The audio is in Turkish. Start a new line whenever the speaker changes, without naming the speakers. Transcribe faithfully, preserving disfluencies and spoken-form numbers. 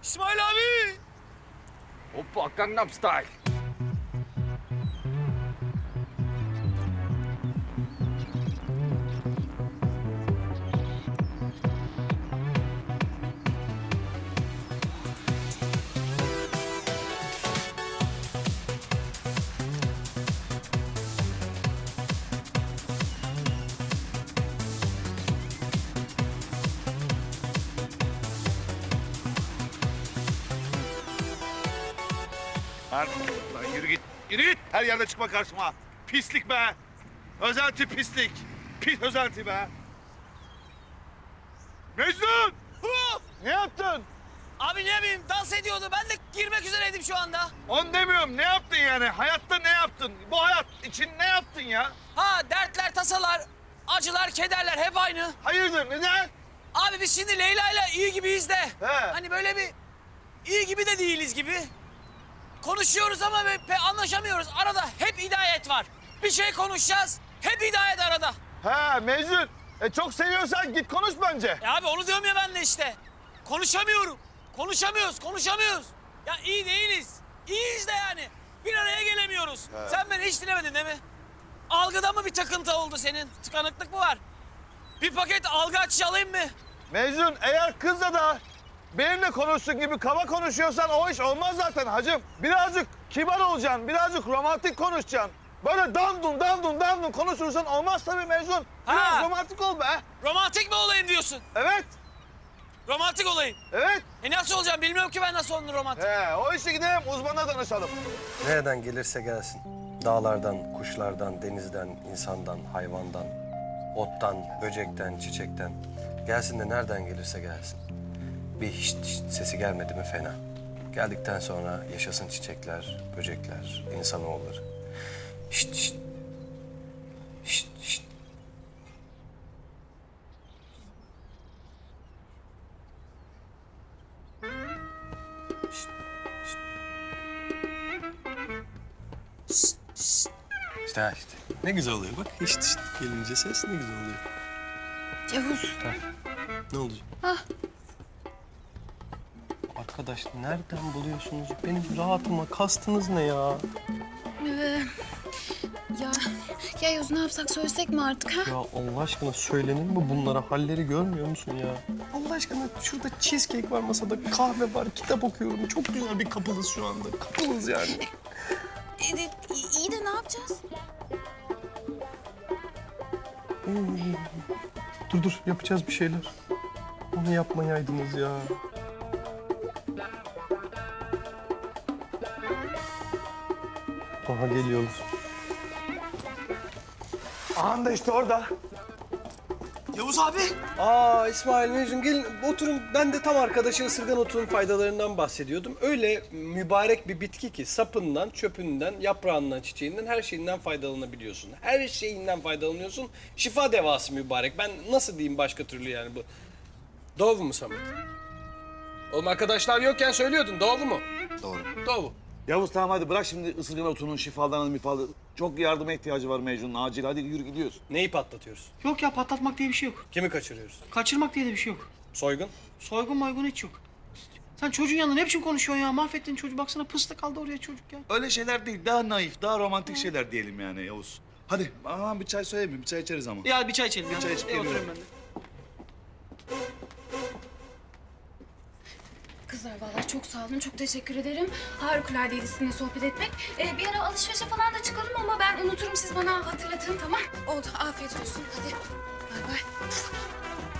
İsmail abi.
Hoppa Gangnam Style.
Lan, lan yürü git, yürü git. Her yerde çıkma karşıma. Pislik be. Özenti pislik. Pis özenti be. Mecnun!
Hu!
Ne yaptın?
Abi ne bileyim dans ediyordu. Ben de girmek üzereydim şu anda.
Onu demiyorum. Ne yaptın yani? Hayatta ne yaptın? Bu hayat için ne yaptın ya?
Ha dertler, tasalar, acılar, kederler hep aynı.
Hayırdır, neden?
Abi biz şimdi Leyla'yla iyi gibiyiz de.
He.
Hani böyle bir iyi gibi de değiliz gibi. Konuşuyoruz ama be- pe anlaşamıyoruz. Arada hep hidayet var. Bir şey konuşacağız. Hep hidayet arada.
Ha Mecnun. E çok seviyorsan git konuş bence.
Ya abi onu diyorum ya ben de işte. Konuşamıyorum. Konuşamıyoruz, konuşamıyoruz. Ya iyi değiliz. İyiyiz de yani. Bir araya gelemiyoruz. Sen beni hiç dinlemedin değil mi? Algıda mı bir takıntı oldu senin? Tıkanıklık mı var? Bir paket algı açıcı alayım mı?
Mecnun eğer kızla da benimle konuşsun gibi kaba konuşuyorsan o iş olmaz zaten hacım. Birazcık kibar olacaksın, birazcık romantik konuşacaksın. Böyle dandun dandun dandun konuşursan olmaz tabii Mecnun. Biraz
Ha.
romantik ol be.
Romantik mi olayım diyorsun?
Evet,
Romantik olayım.
evet.
E nasıl olacağım? Bilmiyorum ki ben nasıl olur romantik.
He, o işe gidelim uzmana danışalım.
Nereden gelirse gelsin. Dağlardan, kuşlardan, denizden, insandan, hayvandan, ottan, böcekten, çiçekten. Gelsin de nereden gelirse gelsin. Bir hiç, hiç sesi gelmedi mi fena. Geldikten sonra yaşasın çiçekler, böcekler, insanoğulları. Şşt şşt. Şşt şşt. Şşt, şşt. İşte ha işte. Ne güzel oluyor bak. İşte işte gelince ses ne güzel oluyor.
Yavuz.
Ne oldu? Arkadaş nereden buluyorsunuz? Benim rahatıma kastınız ne ya?
Ee, ya, ya Yavuz ne yapsak söylesek mi artık ha?
Ya Allah aşkına söylenir mi bunlara? Halleri görmüyor musun ya? Allah aşkına şurada cheesecake var masada, kahve var, kitap okuyorum. Çok güzel bir kapılız şu anda. Kapılız yani.
Evet, iyi, iyi de ne yapacağız?
Dur dur yapacağız bir şeyler. Onu yapmayaydınız ya. Aha geliyoruz.
Aha da işte orada.
Yavuz abi.
Aa İsmail Mecnun gelin oturun. Ben de tam arkadaşı ısırgan otunun faydalarından bahsediyordum. Öyle mübarek bir bitki ki sapından, çöpünden, yaprağından, çiçeğinden her şeyinden faydalanabiliyorsun. Her şeyinden faydalanıyorsun. Şifa devası mübarek. Ben nasıl diyeyim başka türlü yani bu? Doğru mu Samet? Oğlum arkadaşlar yokken söylüyordun. Doğru mu?
Doğru.
Doğru.
Yavuz tamam hadi bırak şimdi ısırgan otunun şifalarını mifalı. Çok yardıma ihtiyacı var Mecnun'un acil. Hadi yürü gidiyoruz.
Neyi patlatıyoruz?
Yok ya patlatmak diye bir şey yok.
Kimi kaçırıyoruz?
Kaçırmak diye de bir şey yok.
Soygun?
Soygun maygun hiç yok. Sen çocuğun yanında ne biçim konuşuyorsun ya? Mahvettin çocuğu. Baksana pıstık kaldı oraya çocuk ya.
Öyle şeyler değil, daha naif, daha romantik şeyler diyelim yani Yavuz. Hadi, aman bir çay söyleyeyim mi? Bir çay içeriz ama.
Ya bir çay içelim ya.
çay içip
E,
geliyorum.
oturayım ben de.
Kızlar vallahi çok sağ olun, çok teşekkür ederim. Harikuladeydi sizinle sohbet etmek. Ee, bir ara alışverişe falan da çıkalım ama ben unuturum, siz bana hatırlatın, tamam? Oldu, afiyet olsun. Hadi, bay bay.